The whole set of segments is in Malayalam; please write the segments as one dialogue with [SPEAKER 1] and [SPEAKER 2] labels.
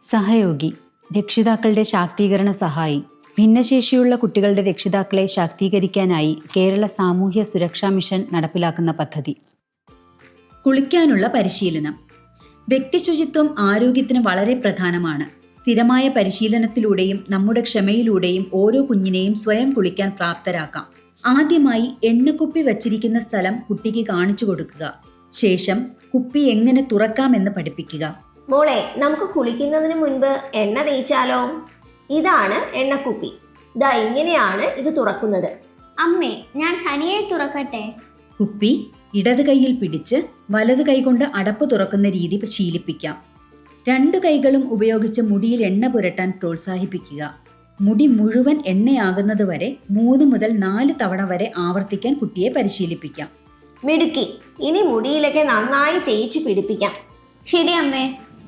[SPEAKER 1] സഹയോഗി, രക്ഷിതാക്കളുടെ ശാക്തീകരണ സഹായി. ഭിന്നശേഷിയുള്ള കുട്ടികളുടെ രക്ഷിതാക്കളെ ശാക്തീകരിക്കാനായി കേരള സാമൂഹ്യ സുരക്ഷാ മിഷൻ നടപ്പിലാക്കുന്ന പദ്ധതി. കുളിക്കാനുള്ള പരിശീലനം. വ്യക്തിശുചിത്വം ആരോഗ്യത്തിന് വളരെ പ്രധാനമാണ്. സ്ഥിരമായ പരിശീലനത്തിലൂടെയും നമ്മുടെ ക്ഷമയിലൂടെയും ഓരോ കുഞ്ഞിനെയും സ്വയം കുളിക്കാൻ പ്രാപ്തരാക്കാം. ആദ്യമായി എണ്ണക്കുപ്പി വച്ചിരിക്കുന്ന സ്ഥലം കുട്ടിക്ക് കാണിച്ചു കൊടുക്കുക. ശേഷം കുപ്പി എങ്ങനെ തുറക്കാമെന്ന് പഠിപ്പിക്കുക.
[SPEAKER 2] മോളെ, നമുക്ക് കുളിക്കുന്നതിന് മുൻപ് എണ്ണ തേച്ചാലോ? ഇതാണ് എണ്ണക്കുപ്പി. ഇതാ ഇങ്ങനെയാണ് ഇത് തുറക്കുന്നത്.
[SPEAKER 3] അമ്മേ, ഞാൻ തനിയെ തുറക്കട്ടെ?
[SPEAKER 1] കുപ്പി ഇടത് കൈയിൽ പിടിച്ച് വലത് കൈകൊണ്ട് അടപ്പ് തുറക്കുന്ന രീതി ശീലിപ്പിക്കാം. 2 കൈകളും ഉപയോഗിച്ച് മുടിയിൽ എണ്ണ പുരട്ടാൻ പ്രോത്സാഹിപ്പിക്കുക. മുടി മുഴുവൻ എണ്ണയാകുന്നത് വരെ 3 മുതൽ 4 തവണ വരെ ആവർത്തിക്കാൻ കുട്ടിയെ പരിശീലിപ്പിക്കാം.
[SPEAKER 2] മിടുക്കി. ഇനി മുടിയിലൊക്കെ നന്നായി തേച്ച് പിടിപ്പിക്കാം.
[SPEAKER 3] ശരി അമ്മേ.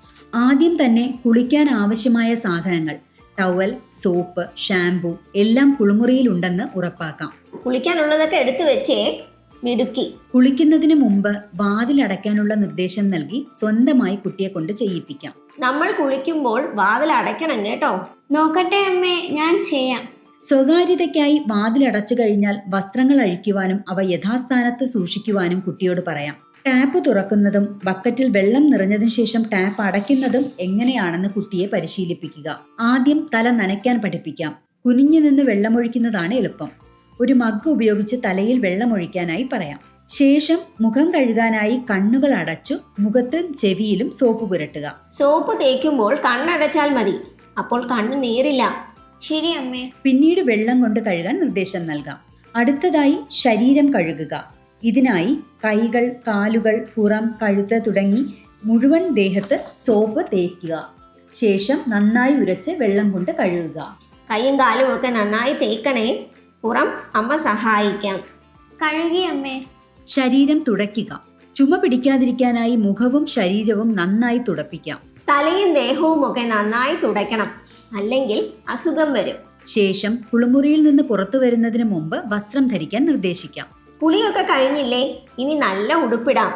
[SPEAKER 1] ആദ്യം തന്നെ കുളിക്കാൻ ആവശ്യമായ സാധനങ്ങൾ ടവൽ, സോപ്പ്, ഷാംപൂ എല്ലാം കുളിമുറിയിൽ ഉണ്ടെന്ന് ഉറപ്പാക്കാം.
[SPEAKER 2] കുളിക്കാനുള്ളതൊക്കെ എടുത്തു വെച്ചേ. മിടുക്കി.
[SPEAKER 1] കുളിക്കുന്നതിന് മുമ്പ് വാതിലടയ്ക്കാനുള്ള നിർദ്ദേശം നൽകി സ്വന്തമായി കുട്ടിയെ കൊണ്ട് ചെയ്യിപ്പിക്കാം.
[SPEAKER 2] നമ്മൾ കുളിക്കുമ്പോൾ വാതിൽ അടയ്ക്കണം കേട്ടോ.
[SPEAKER 3] നോക്കട്ടെ അമ്മേ, ഞാൻ ചെയ്യാം.
[SPEAKER 1] സ്വകാര്യതയ്ക്കായി വാതിലടച്ചു കഴിഞ്ഞാൽ വസ്ത്രങ്ങൾ അഴിക്കുവാനും അവ യഥാസ്ഥാനത്ത് സൂക്ഷിക്കുവാനും കുട്ടിയോട് പറയാം. ടാപ്പ് തുറക്കുന്നതും ബക്കറ്റിൽ വെള്ളം നിറഞ്ഞതിനു ശേഷം ടാപ്പ് അടയ്ക്കുന്നതും എങ്ങനെയാണെന്ന് കുട്ടിയെ പരിശീലിപ്പിക്കുക. ആദ്യം തല നനയ്ക്കാൻ പഠിപ്പിക്കാം. കുനിഞ്ഞു നിന്ന് വെള്ളമൊഴിക്കുന്നതാണ് എളുപ്പം. ഒരു മഗ് ഉപയോഗിച്ച് തലയിൽ വെള്ളമൊഴിക്കാനായി പറയാം. ശേഷം മുഖം കഴുകാനായി കണ്ണുകൾ അടച്ചു മുഖത്തും ചെവിയിലും സോപ്പ് പുരട്ടുക.
[SPEAKER 2] സോപ്പ് തേക്കുമ്പോൾ കണ്ണടച്ചാൽ മതി, അപ്പോൾ കണ്ണ് നീറില്ല.
[SPEAKER 3] ശരി അമ്മേ.
[SPEAKER 1] പിന്നീട് വെള്ളം കൊണ്ട് കഴുകാൻ നിർദ്ദേശം നൽകാം. അടുത്തതായി ശരീരം കഴുകുക. ഇതിനായി കൈകൾ, കാലുകൾ, പുറം, കഴുത്ത് തുടങ്ങി മുഴുവൻ ദേഹത്ത് സോപ്പ് തേക്കുക. ശേഷം നന്നായി ഉരച്ച് വെള്ളം കൊണ്ട് കഴുകുക.
[SPEAKER 2] കൈയും കാലും ഒക്കെ നന്നായി തേക്കണേ. പുറം അമ്മ സഹായിക്കാം.
[SPEAKER 3] കഴുകി അമ്മേ.
[SPEAKER 1] ശരീരം തുടയ്ക്കുക. ചുമ പിടിക്കാതിരിക്കാനായി മുഖവും ശരീരവും നന്നായി തുടപ്പിക്കാം.
[SPEAKER 2] തലയും ദേഹവും ഒക്കെ നന്നായി തുടയ്ക്കണം, അല്ലെങ്കിൽ അസുഖം വരും.
[SPEAKER 1] ശേഷം കുളിമുറിയിൽ നിന്ന് പുറത്തു വരുന്നതിന് മുമ്പ് വസ്ത്രം ധരിക്കാൻ നിർദ്ദേശിക്കാം.
[SPEAKER 2] കുളിയൊക്കെ കഴിഞ്ഞില്ലേ? ഇനി നല്ല ഉടുപ്പിടാം.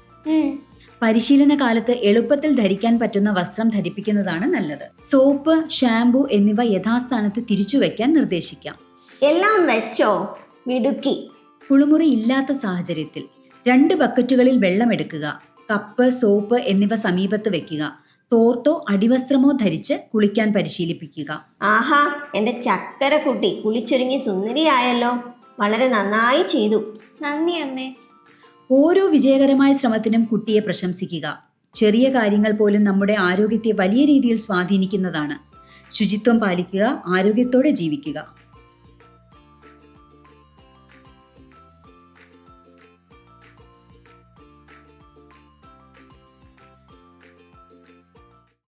[SPEAKER 1] പരിശീലന കാലത്ത് എളുപ്പത്തിൽ ധരിക്കാൻ പറ്റുന്ന വസ്ത്രം ധരിപ്പിക്കുന്നതാണ് നല്ലത്. സോപ്പ്, ഷാംപൂ എന്നിവ യഥാസ്ഥാനത്ത് തിരിച്ചു വയ്ക്കാൻ നിർദ്ദേശിക്കാം.
[SPEAKER 2] എല്ലാം വെച്ചോ? മിടുക്കി.
[SPEAKER 1] കുളിമുറി ഇല്ലാത്ത സാഹചര്യത്തിൽ 2 ബക്കറ്റുകളിൽ വെള്ളം എടുക്കുക. കപ്പ്, സോപ്പ് എന്നിവ സമീപത്ത് വെക്കുക. തോർത്തോ അടിവസ്ത്രമോ ധരിച്ച് കുളിക്കാൻ പരിശീലിപ്പിക്കുക.
[SPEAKER 2] ആഹാ, എൻ്റെ ചക്കര കുട്ടി കുളിച്ചൊരുങ്ങി സുന്ദരിയായല്ലോ. വളരെ നന്നായി ചെയ്തു.
[SPEAKER 3] നന്ദി അമ്മേ.
[SPEAKER 1] ഓരോ വിജയകരമായ ശ്രമത്തിനും കുട്ടിയെ പ്രശംസിക്കുക. ചെറിയ കാര്യങ്ങൾ പോലും നമ്മുടെ ആരോഗ്യത്തെ വലിയ രീതിയിൽ സ്വാധീനിക്കുന്നതാണ്. ശുചിത്വം പാലിക്കുക, ആരോഗ്യത്തോടെ ജീവിക്കുക.